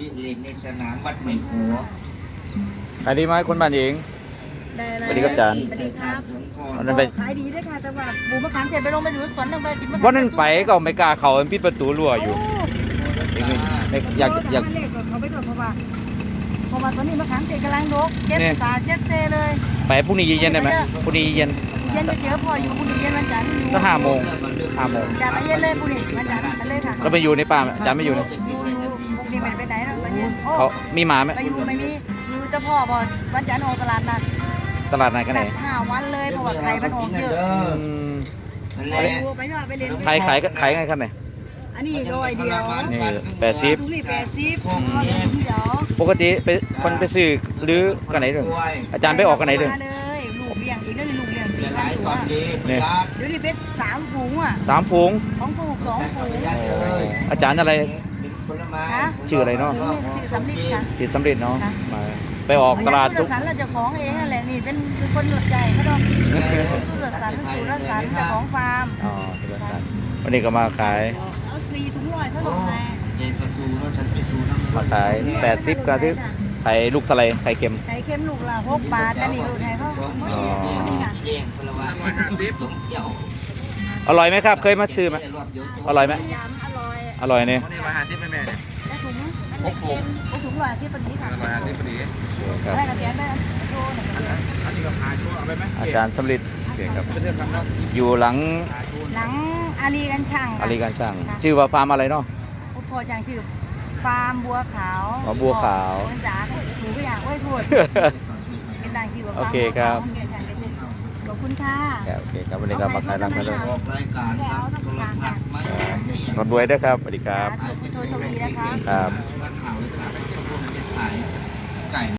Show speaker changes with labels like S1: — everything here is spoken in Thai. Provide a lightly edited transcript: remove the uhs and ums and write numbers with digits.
S1: วิ่งเล่นในสนามวัดใหม่หัว
S2: ขายดีไหมคนบ้านเอง
S3: ได้เลย
S2: สวัสดีครับอาจารย์
S3: สวัสดีครับ
S2: วันนั้นไป
S3: ขายดีด้วยค่ะแต่ว่าบูมะขามเสร็จไปลงไปอยู่สวนลงไปกินมะขาม
S2: วันนั้นไปก็ไม่กล้าเข้าปิดประตูรั้วอยู่อยากอยาก
S3: เล็กกว่าเขาไปก่อนเพราะว่าตอนนี้มะขามเสร็จกำลังดกเจ็ด
S2: เนี่ย
S3: สาเจ็ดเซเลย
S2: ไปพรุ่งนี้เย็นๆได้ไหมพรุ่งนี้เย็น
S3: เย็นจะเจอพออยู่บุรีเย็นวันจันทร์อยู่
S2: ก็5 โมง
S3: อย่าไปเย็นเลยบุรีวันจันทร์ไปเลยค่ะ
S2: เราไปอยู่ในป่าอาจารย์ไม่อยู่นะ
S3: อยู่บุรีไม่ได้ไปไหนหรอกตอนเย็นโอ้
S2: เขามีหมาไหม
S3: ไปอยู่ไม่มีอยู่เจ้าพ่อพอวันจันทร์ออกตลาดนัด
S2: ตลาดไหนกันไหน
S3: จัด5 วันเลยเพราะว่าไข่มันออกเยอะ
S2: อืม
S3: ไปดูไปว่าไปเล่น
S2: ขายไงครับเนี่ย
S3: อันนี้ร้อยเดียว
S2: นี่
S3: ถุงนี่80ถุงเดียว
S2: ปกติไปคนไปซื้อหรือกันไหนเด้ออาจารย์ไปออกกันไหนเด้อ
S3: มาเลยลูกเลี้ยงอีกแล้วลูกเลี้ยง
S1: เดี๋
S3: อี
S1: ยว
S3: ก
S1: หลายตอนดี
S2: เนี่ย
S3: เดี๋ยวนี้เป็น3 ฝูงอ่ะ
S2: 3 ฝูง
S3: 2 ฝูง2 ฝูง
S2: อาจารย์อะไร
S1: เป็นผลไม้
S2: ชื่ออะไรเนาะ
S3: ชื่อสำลิดค่ะ
S2: จิตสำเร็จเนาะมาไปออกตลาด
S3: ทุ
S2: ทุ
S3: ก
S2: ก
S3: สันเราเจ้าของเองนั่นแหละนี่เป็นคนหลักใจเขาดอกสุรสันสุรสันเจ้าของฟาร์ม
S2: อ๋อตลาดวันนี้ก็มาขาย
S3: เอา4 ถุงร้อยเท่าไหร่
S1: เย็นกระซูแล้วฉันไปซูน้ำ
S2: มาขาย80ก็ที่ไข่ลูกทะเลไข่เค็ม
S3: ไข่เค็มลูกละ6 บาทแต่นี่ลูกไทยเขา
S2: อ๋อ
S1: เลี้ยงผลไม้สมเที่ยว
S2: อร่อยไหมครับ เคยมาซื้อไหมอร่อยไหม
S3: ยำอร่อย
S2: อร่อยเนี่ย
S4: นี่150แม่เนี่ย
S3: แล้วถุงอันไหนเค็มถุงร้อยที่ปนี้ค่ะ
S4: 150พอดี
S2: ครับ
S3: ได้กระเทียมได้โลหนึ่งกระเทียม
S4: อันนี้ก็พาชูเอาไปไหม
S2: อาจารย์สำลิด
S4: ครับเรื่องคำนั้น
S2: อยู่หลัง
S4: พาชู
S3: หลังอารีกันช่าง
S2: อารีการช่างชื่อว่าฟาร์มอะไรเนาะ
S3: พอจังชื่อฟาร์มบัวขาว
S2: อ๋อบัวขาว
S3: คนจ๋าหนูก็อยากไว้พูดเป็นดังที่ว่า
S2: โอเคครับ
S3: ขอบคุณค่ะ
S2: โอเคครับวันนี้ก็มาขายร้านกันเลย
S1: ออกรายการครับโทรทัศน์ไม่
S2: รถด้วยด้วยครับสวัสดีครับ
S3: โทรโชคดีนะคะ
S2: ครับ
S1: ข่าวเลยครับพวกมันจะขายไก่